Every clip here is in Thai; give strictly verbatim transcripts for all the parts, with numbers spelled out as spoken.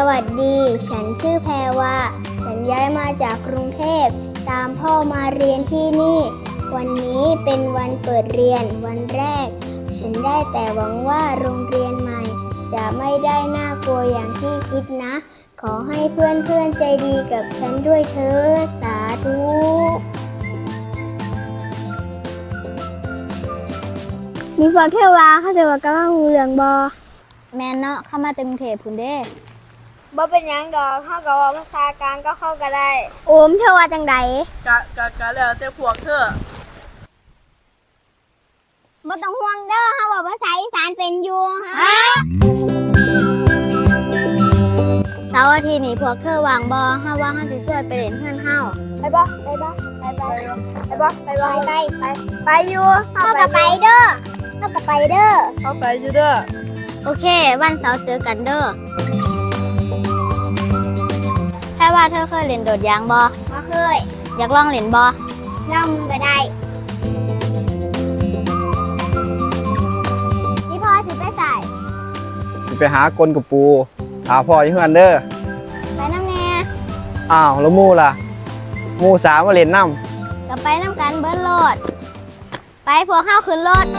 วัสดีฉันชื่อแพรวาฉันย้ายมาจากกรุงเทพตามพ่อมาเรียนที่นี่วันนี้เป็นวันเปิดเรียนวันแรกฉันได้แต่หวังว่าโรงเรียนใหม่จะไม่ได้น่ากลัวอย่างที่คิดนะขอให้เพื่อนๆใจดีกับฉันด้วยเถิดสาธุนี่พวกเทวาเขาจะว่ากำลังหูเหลืองบอแม่เนาะเข้ามาตึงเทพพุ่นเด้บ่เป็นหยังดอกเข้ากับว่าภาษากลางก็เข้ากันได้โอมเธอว่าจังใดกะกะกะแล้วแต่พวกเธอบ่ต้องห่วงเด้อเฮาว่าภาษาอีสานเป็นอยู่ฮะเสาร์อาทิตย์นี้พวกเธอวางบ่เฮาว่าเฮาสิช่วยไปเล่นเฮือนเฮาไปบ่ไปบ่ไปไปไปบ่ไปบ่ไปไปไปอยู่เฮาก็ไปเด้อเฮาก็ไปเด้อเฮาไปอยู่เด้อโอเควันเสาร์เจอกันเด้อแค่ว่าเธอเคยเล่นโดดยางบ่บ่เคยอยากลองเล่นบ่ลองก็ได้พี่พ่อสิไปใส่สิไปหากลกับปูหาพ่ออยู่เฮือนเด้อไปน้ำแน่อ้าวแล้วมู่ล่ะมู่สาวมาเล่นน้ำก็ไปน้ำกันเบิ้ลโลดไปพวกเฮาขึ้นรถ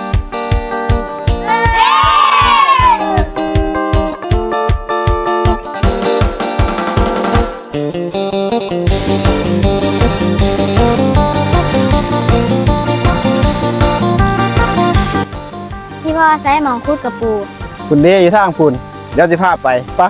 พี่พ่อใช้หมองคุดกับปูคุณเด้อยู่ทางคุณเดี๋ยวจะพาไปปะ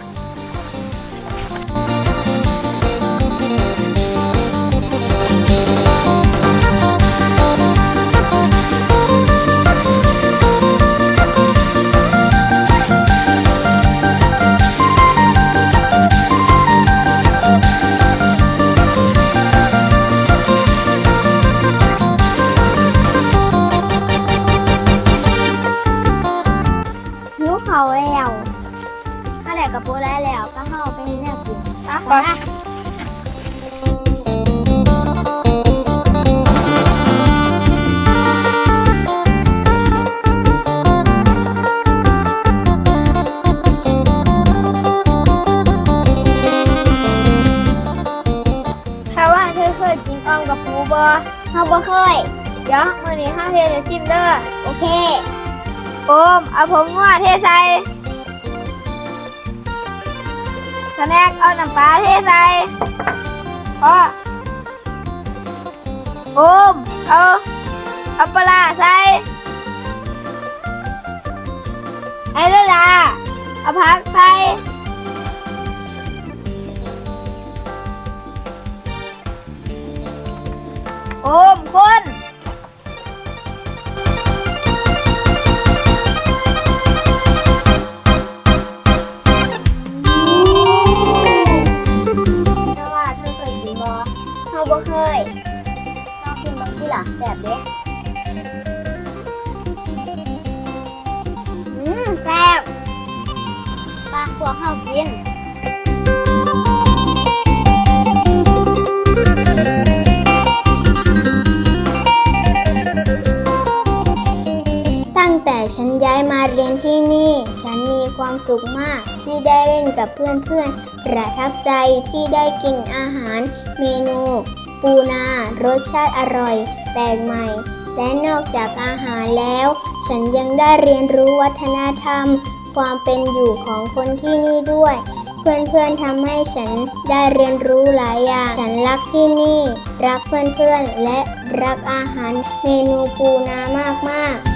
เขาแล้วถ้าแดกกับปูได้แล้วก็เข้าไปนี่แน่กินไปถ้าว่าเธอเคยกินอ้อมกับปูบ่เฮาบ่เคยเดี๋ยวมื้อนี้เฮาเฮ็ดให้ชิมเด้อโอเคโอมเอาผมงัวเทใส่สแน็คเอาน้ำปลาเทใส่พอโอมเอาเอาปลาใส่ไอ้เด้อล่ะเอาผักใส่โอมคนบ่เคยลองกินบางทีล่ะแซ่บเด้อืมแซ่บปลาพวกเฮากินตั้งแต่ฉันย้ายมาเรียนที่นี่ฉันมีความสุขมากที่ได้เล่นกับเพื่อนๆประทับใจที่ได้กินอาหารเมนูปูนารสชาติอร่อยแปลกใหม่และนอกจากอาหารแล้วฉันยังได้เรียนรู้วัฒนธรรมความเป็นอยู่ของคนที่นี่ด้วยเพื่อนๆทำให้ฉันได้เรียนรู้หลายอย่างฉันรักที่นี่รักเพื่อนๆและรักอาหารเมนูปูนามากๆ